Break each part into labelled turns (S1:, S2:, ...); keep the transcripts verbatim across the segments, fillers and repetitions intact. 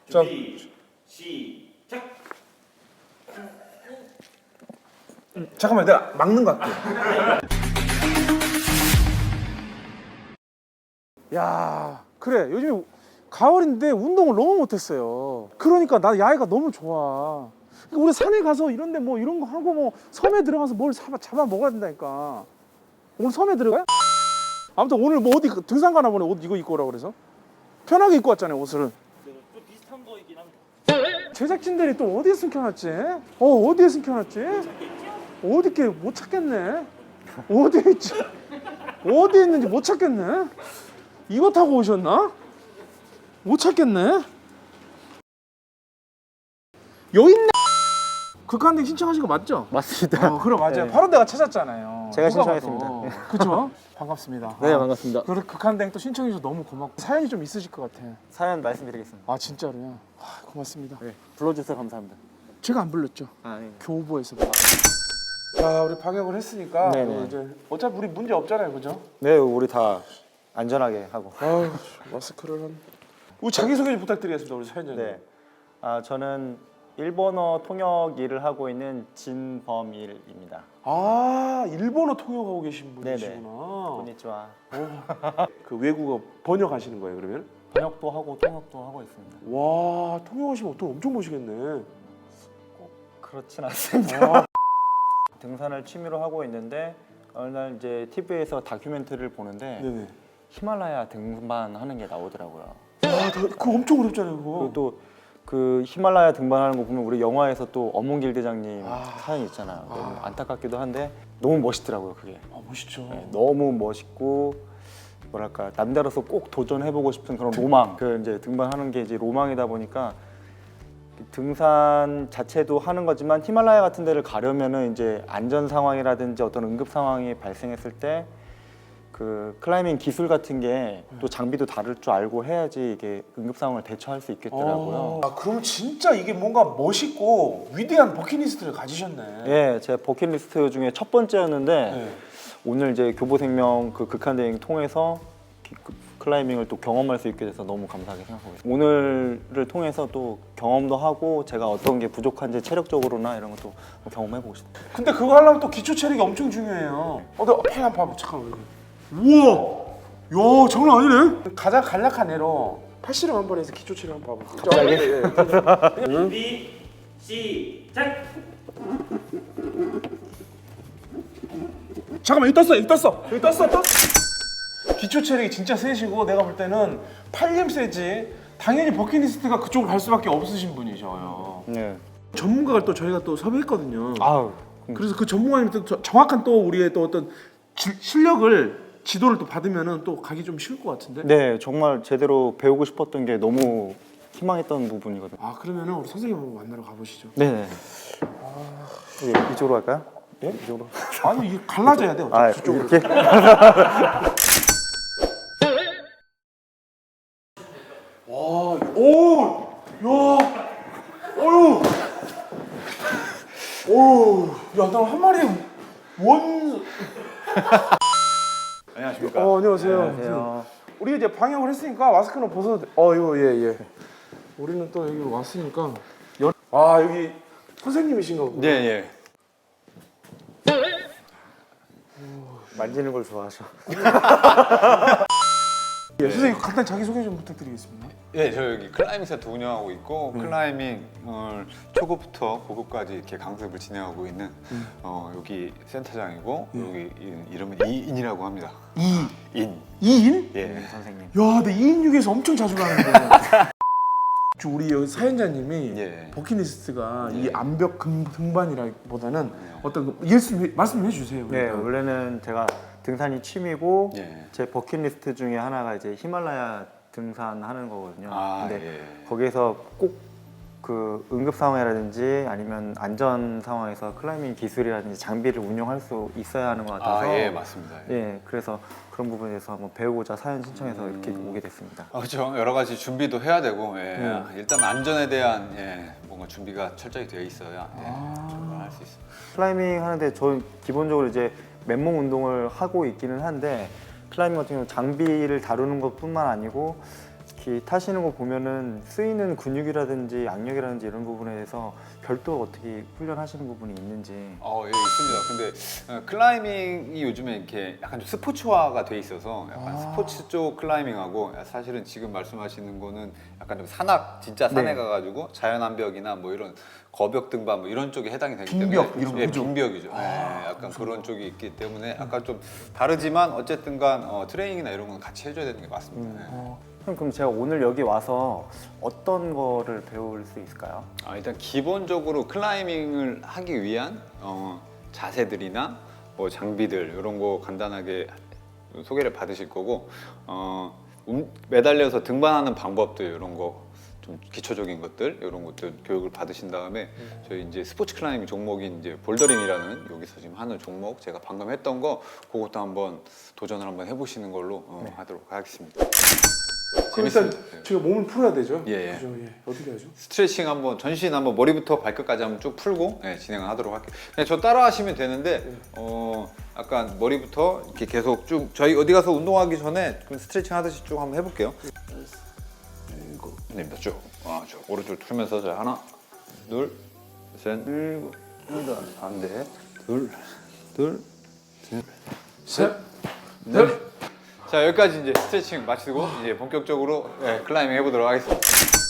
S1: 준비 시작.
S2: 잠깐만, 내가 막는 거 할게. 야, 그래. 요즘에 가을인데 운동을 너무 못했어요. 그러니까 나 야외가 너무 좋아. 그러니까 우리 산에 가서 이런데 뭐 이런 거 하고 뭐 섬에 들어가서 뭘 잡아, 잡아 먹어야 된다니까. 오늘 섬에 들어가요? 아무튼 오늘 뭐 어디 등산 가나 보네. 옷 이거 입고 오라고 그래서 편하게 입고 왔잖아요, 옷을.
S1: 좀 비슷한 거이긴 합니다.
S2: 제작진들이 또 어디에 숨겨놨지? 어, 어디에 숨겨놨지? 어디 있게 못 찾겠네. 어디에 있지? 어디에 있는지 못 찾겠네. 이거 타고 오셨나? 못 찾겠네. 여기 있네. 극한대 신청하신 거 맞죠?
S3: 맞습니다.
S2: 어, 그래 맞아요.
S3: 네.
S2: 바로 내가 찾았잖아요.
S3: 제가
S2: 누가
S3: 신청했습니다.
S2: 봐도.
S3: 네.
S2: 그죠? 반갑습니다.
S3: 네,
S2: 아,
S3: 반갑습니다.
S2: 그래 극한대 또 신청해 주셔서 너무 고맙고 사연이 좀 있으실 것 같아.
S3: 사연 말씀드리겠습니다.
S2: 아 진짜로요? 아, 고맙습니다.
S3: 네. 불러주셔서 감사합니다.
S2: 제가 안 불렀죠.
S3: 아, 네.
S2: 교보에서. 자, 우리 방역을 했으니까
S3: 네네.
S2: 뭐 이제 어차피 우리 문제 없잖아요, 그죠?
S3: 네, 우리 다 안전하게 하고.
S2: 아, 마스크를 한. 우리 자기 소개 좀 부탁드리겠습니다, 우리 사연자님.
S3: 네. 아, 저는 일본어 통역 일을 하고 있는 진범일입니다.
S2: 아, 일본어 통역하고 계신
S3: 네네.
S2: 분이시구나.
S3: konnichiwa.
S2: 그 외국어 번역하시는 거예요, 그러면?
S3: 번역도 하고 통역도 하고 있습니다.
S2: 와, 통역하시면 돈 엄청 버시겠네.
S3: 그렇진 않습니다.
S2: 아,
S3: 등산을 취미로 하고 있는데 어느 날 이제 티비에서 다큐멘터리를 보는데
S2: 네네.
S3: 히말라야 등반하는 게 나오더라고요.
S2: 아, 더- 그거 엄청 어렵잖아요, 그거.
S3: 그리고 또 그 히말라야 등반하는 거 보면 우리 영화에서 또 어몽길 대장님
S2: 아.
S3: 사연이 있잖아요. 너무
S2: 아.
S3: 안타깝기도 한데 너무 멋있더라고요, 그게.
S2: 아, 멋있죠.
S3: 네, 너무 멋있고 뭐랄까 남자로서 꼭 도전해보고 싶은 그런 로망. 그 이제 등반하는 게 이제 로망이다 보니까 등산 자체도 하는 거지만 히말라야 같은 데를 가려면은 이제 안전 상황이라든지 어떤 응급 상황이 발생했을 때 그 클라이밍 기술 같은 게 또 장비도 다를 줄 알고 해야지 이게 응급 상황을 대처할 수 있겠더라고요.
S2: 아, 그럼 진짜 이게 뭔가 멋있고 위대한 버킷리스트를 가지셨네.
S3: 예, 제 버킷리스트 중에 첫 번째였는데
S2: 네.
S3: 오늘 이제 교보생명 그 극한대행 통해서 기- 그 클라이밍을 또 경험할 수 있게 돼서 너무 감사하게 생각하고 있습니다. 오늘을 통해서 또 경험도 하고 제가 어떤 게 부족한지 체력적으로나 이런 것도 경험해보고 싶습니다.
S2: 근데 그거 하려면 또 기초 체력이 엄청 중요해요. 어, 내가 팔 한번 봐봐. 잠깐만. 우와! 야, 장난 아니네? 가장 간략한 예로 팔씨름 한 번 해서 기초 체력 한번 봐봐.
S3: 갑자기?
S2: 예, 예.
S1: 준비 시작.
S2: 잠깐만, 여기 떴어, 여기 떴어. 여기 떴어, 떴어. 기초 체력이 진짜 세시고 내가 볼 때는 팔림 세지. 당연히 버킷리스트가 그쪽으로 갈 수밖에 없으신 분이셔요.
S3: 네.
S2: 전문가를 또 저희가 또 섭외했거든요.
S3: 아우.
S2: 그래서 그 전문가님 또 저- 정확한 또 우리의 또 어떤 지, 실력을 지도를 또 받으면은 또 가기 좀 쉬울 것 같은데.
S3: 네, 정말 제대로 배우고 싶었던 게 너무 희망했던 부분이거든요.
S2: 아, 그러면은 우리 선생님 한번 만나러 가보시죠.
S3: 네. 아... 이쪽으로 갈까요?
S2: 예?
S3: 이쪽으로.
S2: 아니 이게 갈라져야 돼.
S3: 아,
S2: 어차피 저쪽으로.
S3: 이렇게?
S2: 와, 오, 야, 어유, 오, 야, 나 한 마리 원.
S4: 안녕하십니까.
S2: 어, 안녕하세요.
S3: 안녕하세요.
S2: 우리 이제 방역을 했으니까 마스크는 벗어도 돼. 어, 이거 예, 예. 우리는 또 여기 왔으니까. 연... 아, 여기 선생님이신가 보다.
S4: 네, 예.
S3: 만지는 걸 좋아하셔.
S2: 예, 선생님 간단 자기 소개 좀 부탁드리겠습니다.
S4: 예, 저 여기 클라이밍 센터 운영하고 있고 클라이밍을 초급부터 고급까지 이렇게 강습을 진행하고 있는 어, 여기 센터장이고 여기 이- 이름은 이인이라고 합니다.
S2: 이
S4: 인.
S2: 이인?
S4: 예.
S3: 선생님.
S2: 야, 내 이인육에서 엄청 자주 가는데. 저 우리 여기 사연자님이
S4: 예.
S2: 버킷리스트가
S4: 예.
S2: 이 암벽 금, 등반이라기보다는
S4: 예.
S2: 어떤 그 말씀 말씀 해주세요.
S3: 네,
S2: 그러니까.
S3: 원래는 제가 등산이 취미고
S4: 예.
S3: 제 버킷리스트 중에 하나가 이제 히말라야 등산하는 거거든요.
S4: 아,
S3: 근데
S4: 예.
S3: 거기에서 꼭 그 응급 상황이라든지 아니면 안전 상황에서 클라이밍 기술이라든지 장비를 운용할 수 있어야 하는 것 같아서
S4: 아, 예, 맞습니다. 예.
S3: 예, 그래서 그런 부분에서 한번 배우고자 사연 신청해서 이렇게
S4: 음.
S3: 오게 됐습니다.
S4: 아, 그렇죠. 여러 가지 준비도 해야 되고 예.
S3: 음.
S4: 일단 안전에 대한 예, 뭔가 준비가 철저히 되어 있어야 예,
S2: 아.
S4: 출발할 수 있습니다.
S3: 클라이밍 하는데 저 기본적으로 이제 맨몸 운동을 하고 있기는 한데 클라이밍 같은 경우 장비를 다루는 것뿐만 아니고 이렇게 타시는 거 보면은 쓰이는 근육이라든지 악력이라든지 이런 부분에 대해서 별도 어떻게 훈련하시는 부분이 있는지.
S4: 어, 예, 있습니다. 근데 어, 클라이밍이 요즘에 이렇게 약간 좀 스포츠화가 돼 있어서 약간
S2: 아.
S4: 스포츠 쪽 클라이밍하고 사실은 지금 말씀하시는 거는 약간 좀 산악, 진짜 산에
S3: 네.
S4: 가가지고 자연암벽이나 뭐 이런 거벽 등반 뭐 이런 쪽에 해당이 되기
S2: 빈벽,
S4: 때문에
S2: 이런
S4: 예,
S2: 거죠?
S4: 빈벽이죠.
S2: 아,
S4: 예, 약간 그런 쪽이 있기 때문에 약간 좀 다르지만 어쨌든간 어, 트레이닝이나 이런 건 같이 해줘야 되는 게 맞습니다. 예.
S3: 어, 그럼 그럼 제가 오늘 여기 와서 어떤 거를 배울 수 있을까요?
S4: 아, 일단 기본적으로 클라이밍을 하기 위한 어, 자세들이나 뭐 장비들 이런 거 간단하게 소개를 받으실 거고 어, 음, 매달려서 등반하는 방법들 이런 거 좀 기초적인 것들 이런 것들 교육을 받으신 다음에 저희 이제 스포츠 클라이밍 종목인 이제 볼더링이라는 여기서 지금 하는 종목 제가 방금 했던 거 그것도 한번 도전을 한번 해보시는 걸로 어,
S3: 네.
S4: 하도록 하겠습니다.
S2: 그럼 일단
S4: 재밌습니다.
S2: 제가 몸을 풀어야 되죠.
S4: 예, 예.
S2: 그죠? 예. 어떻게 하죠?
S4: 스트레칭 한번 전신 한번 머리부터 발끝까지 한번 쭉 풀고 네, 진행을 하도록 할게요. 그냥 저 따라 하시면 되는데 어 약간 머리부터 이렇게 계속 쭉 저희 어디 가서 운동하기 전에 좀 스트레칭 하듯이 쭉 한번 해볼게요. 일곱, 네, 쭉, 아, 쭉 오른쪽 풀면서 자 하나, 둘, 셋, 일곱, 여덟, 안 돼, 둘, 둘,
S2: 셋,
S4: 넷. 자 여기까지 이제 스트레칭 마치고 이제 본격적으로 네, 클라이밍 해보도록 하겠습니다.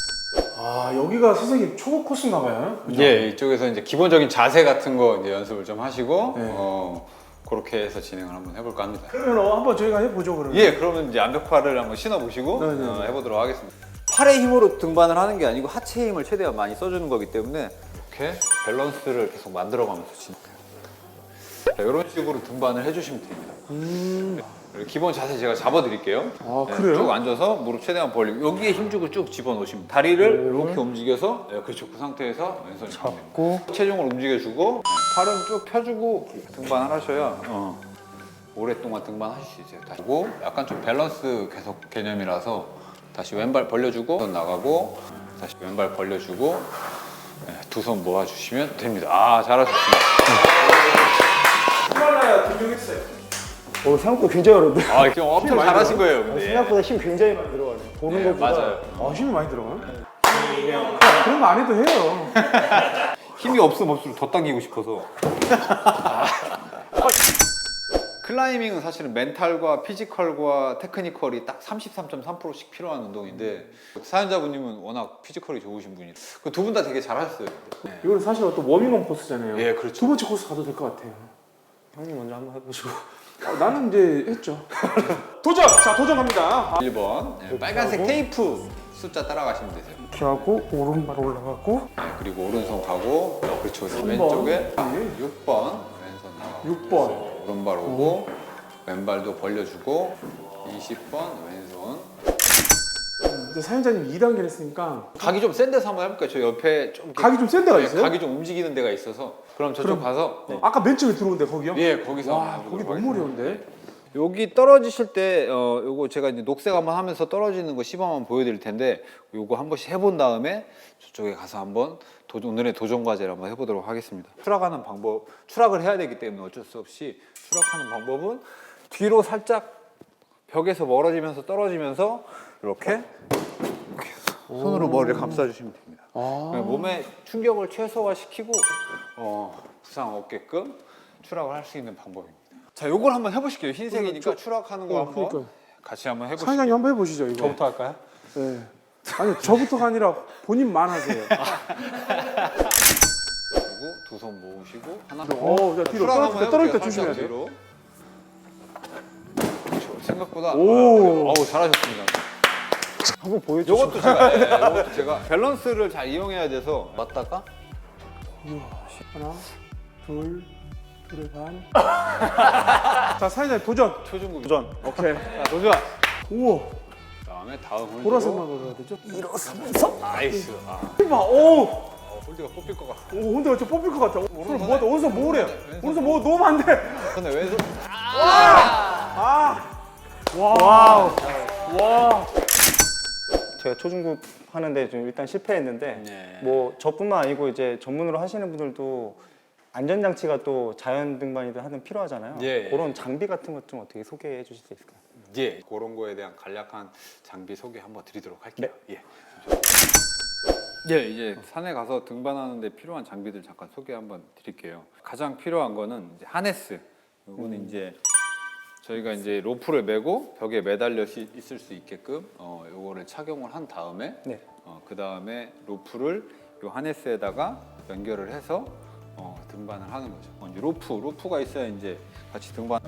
S2: 아 여기가 선생님 초보 코스인가 봐요. 그죠?
S4: 예, 이쪽에서 이제 기본적인 자세 같은 거 이제 연습을 좀 하시고
S2: 네.
S4: 어, 그렇게 해서 진행을 한번 해볼까 합니다.
S2: 그러면 어, 한번 저희가 해보죠 그러면.
S4: 예, 그러면 이제 암벽화를 한번 신어보시고
S2: 네, 네,
S4: 어,
S2: 네.
S4: 해보도록 하겠습니다. 팔의 힘으로 등반을 하는 게 아니고 하체 힘을 최대한 많이 써주는 거기 때문에 이렇게 밸런스를 계속 만들어가면서 진행해요. 자, 이런 식으로 등반을 해주시면 됩니다.
S2: 음.
S4: 그리고 기본 자세 제가 잡아드릴게요.
S2: 아
S4: 네,
S2: 그래요?
S4: 쭉 앉아서 무릎 최대한 벌리고 여기에 힘주고 쭉 집어넣으시면 다리를 이렇게 움직여서 네, 그렇죠. 그 상태에서 왼손
S3: 잡고
S4: 체중을 움직여주고 팔은 쭉 펴주고 등반을 하셔야 어, 오랫동안 등반하실 수 있어요. 다시 보고 약간 좀 밸런스 계속 개념이라서 다시 왼발 벌려주고 손 나가고 다시 왼발 벌려주고 두 손 모아주시면 됩니다. 아 잘하셨습니다.
S2: 히말라야 등록했어요.
S3: 어, 생각보다 굉장히 어렵네.
S4: 아 지금 엄청
S2: 많이
S4: 잘하신 거예요. 근데.
S3: 생각보다 힘 굉장히 많이 들어가네. 보는
S4: 네,
S3: 것보다.
S4: 맞아요.
S2: 아 힘이 많이 들어가요? 그런 거 안 해도 해요.
S4: 힘이 없으면 없을수록 더 당기고 싶어서. 클라이밍은 사실은 멘탈과 피지컬과 테크니컬이 딱 삼십삼 점 삼 퍼센트씩 필요한 운동인데 사연자분님은 워낙 피지컬이 좋으신 분이 두 분 다 되게 잘하셨어요. 네.
S2: 이거는 사실 어떤 워밍업 코스잖아요.
S4: 예, 그렇죠.
S2: 두 번째 코스 가도 될 것 같아요.
S3: 형님 먼저 한번 해보시고.
S2: 어, 나는 이제 했죠. 도전! 자 도전 갑니다.
S4: 일 번 네, 빨간색 테이프 숫자 따라가시면 되세요.
S3: 이렇게 하고 오른발 올라가고
S4: 네, 그리고 오른손 가고 어, 그렇죠.
S2: 삼 번.
S4: 왼쪽에
S2: 예.
S4: 육 번 왼손 나가고
S2: 육 번.
S4: 오른발 오고 왼발도 벌려주고 이십 번 왼손
S2: 이제 사연자님 이 단계를 했으니까
S4: 각이 좀 센 데서 한번 해볼까요? 저 옆에 좀 이렇게
S2: 각이 좀 센 데가
S4: 네,
S2: 있어요?
S4: 각이 좀 움직이는 데가 있어서 그럼 저쪽
S2: 그럼-
S4: 가서 네.
S2: 아까 맨 처음에 들어온 데 거기요?
S4: 예 거기서
S2: 와
S4: 한번
S2: 거기
S4: 해보도록
S2: 너무
S4: 하겠습니다.
S2: 어려운데?
S4: 여기 떨어지실 때 어, 요거 제가 이제 녹색 한번 하면서 떨어지는 거 시범 한번 보여드릴 텐데 요거 한 번씩 해본 다음에 저쪽에 가서 한번 도, 오늘의 도전 과제를 한번 해보도록 하겠습니다. 추락하는 방법, 추락을 해야 되기 때문에 어쩔 수 없이 추락하는 방법은 뒤로 살짝 벽에서 멀어지면서 떨어지면서 이렇게, 이렇게 손으로 머리를 감싸주시면 됩니다.
S2: 아.
S4: 몸에 충격을 최소화시키고 어, 부상 없게끔 추락을 할 수 있는 방법입니다. 자, 요걸 한번 해보실게요. 흰색이니까 추락하는 거
S2: 어,
S4: 한번
S2: 그러니까요.
S4: 같이 한번 해보시죠.
S2: 사연자님 한번 해보시죠 이거.
S3: 저부터 할까요?
S2: 네. 아니 저부터가 아니라 본인만 하세요.
S4: 그리고 두 손 모으시고 하나.
S2: 어, 자, 뒤로
S4: 추락
S2: 떨어질
S4: 한번
S2: 때 떨어질 때
S4: 해볼게요.
S2: 조심해야
S4: 살짝
S2: 돼요.
S4: 뒤로. 그렇죠. 생각보다
S2: 오.
S4: 아, 어우 잘하셨습니다.
S3: 한번 보여주시죠.
S4: 요것도 제가 예, 요것도 제가 밸런스를 잘 이용해야 돼서 맞다가
S2: 하나, 둘, 둘의 반. 자 사연자님 도전.
S4: 초중급
S3: 도전.
S2: 오케이.
S4: 자, 도전.
S2: 우와.
S4: 그다음에 다음 홀드로
S2: 보라색만 올려야 되죠?
S3: 일어서면서.
S4: 나이스. 아,
S2: 봐. 오.
S4: 어, 홀드가 뽑힐 것 같아.
S2: 오 근데 어째 뽑힐 것 같아. 오른손
S4: 손에-
S2: 모아. 오른손 모으래요.
S4: 왼손
S2: 오른손 모아 놓으면 안 돼.
S4: 근데 왼손
S2: 아. 와우. 와.
S3: 제가 초중급 하는데 좀 일단 실패했는데
S4: 네.
S3: 뭐 저뿐만 아니고 이제 전문으로 하시는 분들도 안전장치가 또 자연 등반이든 하든 필요하잖아요.
S4: 예, 예.
S3: 그런 장비 같은 것 좀 어떻게 소개해 주실 수 있을까요?
S4: 예, 그런 거에 대한 간략한 장비 소개 한번 드리도록 할게요. 예. 예, 이제 산에 가서 등반하는데 필요한 장비들 잠깐 소개 한번 드릴게요. 가장 필요한 거는 이제 하네스. 이거는 이제 저희가 이제 로프를 메고 벽에 매달려 시- 있을 수 있게끔 어, 요거를 착용을 한 다음에
S3: 네.
S4: 어, 그 다음에 로프를 요 하네스에다가 연결을 해서 어, 등반을 하는 거죠. 어, 이제 로프, 로프가 있어야 이제 같이 등반.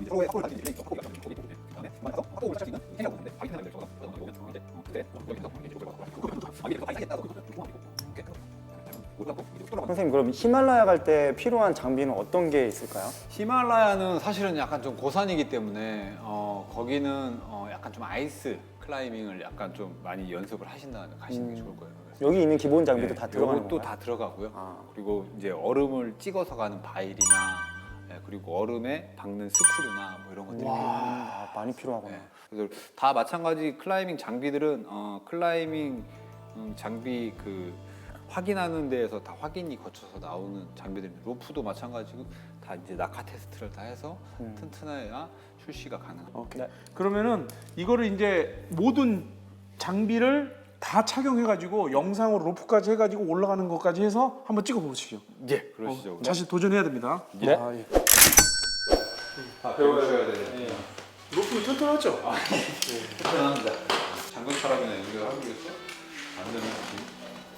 S3: 선생님 그럼 히말라야 갈 때 필요한 장비는 어떤 게 있을까요?
S4: 히말라야는 사실은 약간 좀 고산이기 때문에 어, 거기는 어, 약간 좀 아이스 클라이밍을 약간 좀 많이 연습을 하신다면 가시는 게 좋을 거예요. 그래서
S3: 여기 있는 기본 장비도
S4: 네,
S3: 다 들어가는
S4: 요것도
S3: 건가요?
S4: 다 들어가고요.
S3: 아.
S4: 그리고 이제 얼음을 찍어서 가는 바일이나 예, 그리고 얼음에 박는 스크류나 뭐 이런 것들이 필요해요.
S3: 아, 많이 필요하구나.
S4: 네. 그래서 다 마찬가지 클라이밍 장비들은 어, 클라이밍 음, 장비 그 확인하는 데에서 다 확인이 거쳐서 나오는 장비들입니다. 로프도 마찬가지고 다 이제 낙하 테스트를 다 해서
S3: 음.
S4: 튼튼해야 출시가 가능합니다.
S2: 오케이.
S3: 네.
S2: 그러면은 이거를 이제 모든 장비를 다 착용해가지고 영상으로 로프까지 해가지고 올라가는 것까지 해서 한번 찍어보시죠.
S4: 예, 그러시죠.
S2: 어, 다시 도전해야 됩니다.
S3: 네.
S2: 아, 예.
S4: 다 배우셔야 돼요.
S2: 로프 튼튼하죠?
S4: 튼튼합니다. 장갑차량이나 연결하기 위해서 안전을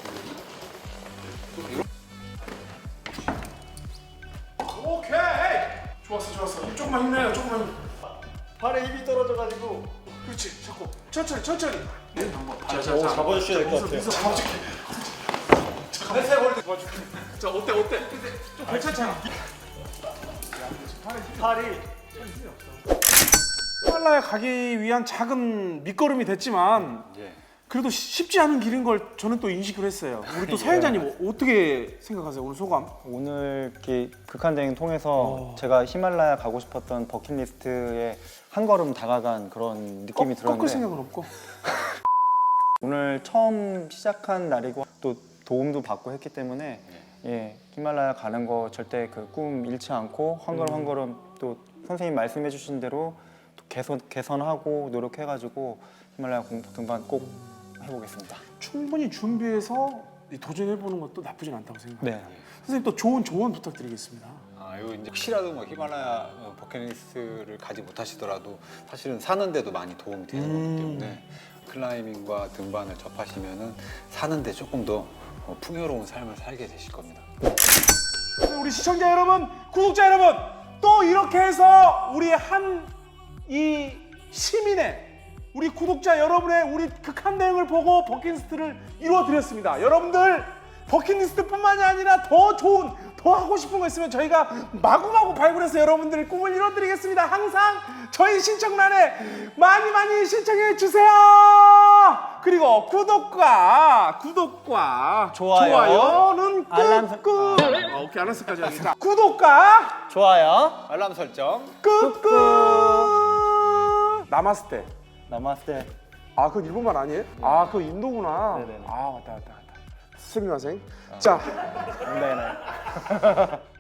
S2: 오케이. 좋았어, 좋았어. 조금만 힘내요, 조금만. 힘.
S3: 발에 힘이 떨어져가지고.
S2: 그렇지, 자꾸 천천히, 천천히. 네, 방법. 자, 자,
S3: 오,
S2: 자.
S3: 잡아주셔야 될 것
S2: 미소,
S3: 같아요.
S2: 미소 잡아줄게. 잠깐만. 내 걸릴 때 도와줄게. 자, 어때, 어때? 좀 괜찮잖아.
S3: 팔이
S2: 히말라야 가기 위한 작은 밑거름이 됐지만
S4: 예.
S2: 그래도 쉽지 않은 길인 걸 저는 또 인식을 했어요. 우리 또 사연자님 어떻게 생각하세요? 오늘 소감?
S3: 오늘 이렇게 극한대행 통해서
S2: 어.
S3: 제가 히말라야 가고 싶었던 버킷리스트에 한 걸음 다가간 그런 느낌이
S2: 꺾- 꺾을
S3: 들었는데
S2: 생각은 없고.
S3: 오늘 처음 시작한 날이고 또 도움도 받고 했기 때문에 예, 히말라야 가는 거 절대 그 꿈 잃지 않고 한 걸음 한 걸음 또 선생님 말씀해 주신 대로 또 개선, 개선하고 노력해가지고 히말라야 공복 등반 꼭 해보겠습니다.
S2: 충분히 준비해서 도전해보는 것도 나쁘진 않다고 생각합니다.
S3: 네.
S2: 선생님 또 좋은 조언 부탁드리겠습니다.
S4: 아, 요 이제 혹시라도 뭐 히말라야 어, 버킷리스트를 가지 못하시더라도 사실은 사는데도 많이 도움이 되는
S2: 음.
S4: 거기 때문에 클라이밍과 등반을 접하시면은 사는데 조금 더 어, 풍요로운 삶을 살게 되실 겁니다.
S2: 우리 시청자 여러분, 구독자 여러분, 또 이렇게 해서 우리 한 이 시민의 우리 구독자 여러분의 우리 극한 대응을 보고 버킷리스트를 이루어 드렸습니다. 여러분들 버킷리스트뿐만이 아니라 더 좋은, 더 하고 싶은 거 있으면 저희가 마구마구 발굴해서 여러분들의 꿈을 이루어 드리겠습니다. 항상 저희 신청란에 많이 많이 신청해 주세요. 그리고 구독과 구독과
S3: 좋아요.
S2: 좋아요는
S3: 알람 설-
S2: 꾹꾹. 아, 오케이, 알았을까지 하겠다. 구독과
S3: 좋아요.
S4: 알람 설정.
S2: 꾹꾹. 나마스테.
S3: 나마스테.
S2: 아, 그건 일본말 아니에요? 아, 그거 인도구나.
S3: 네네네.
S2: 아, 맞다, 맞다, 맞다. 스미마생. 자,
S3: 네네.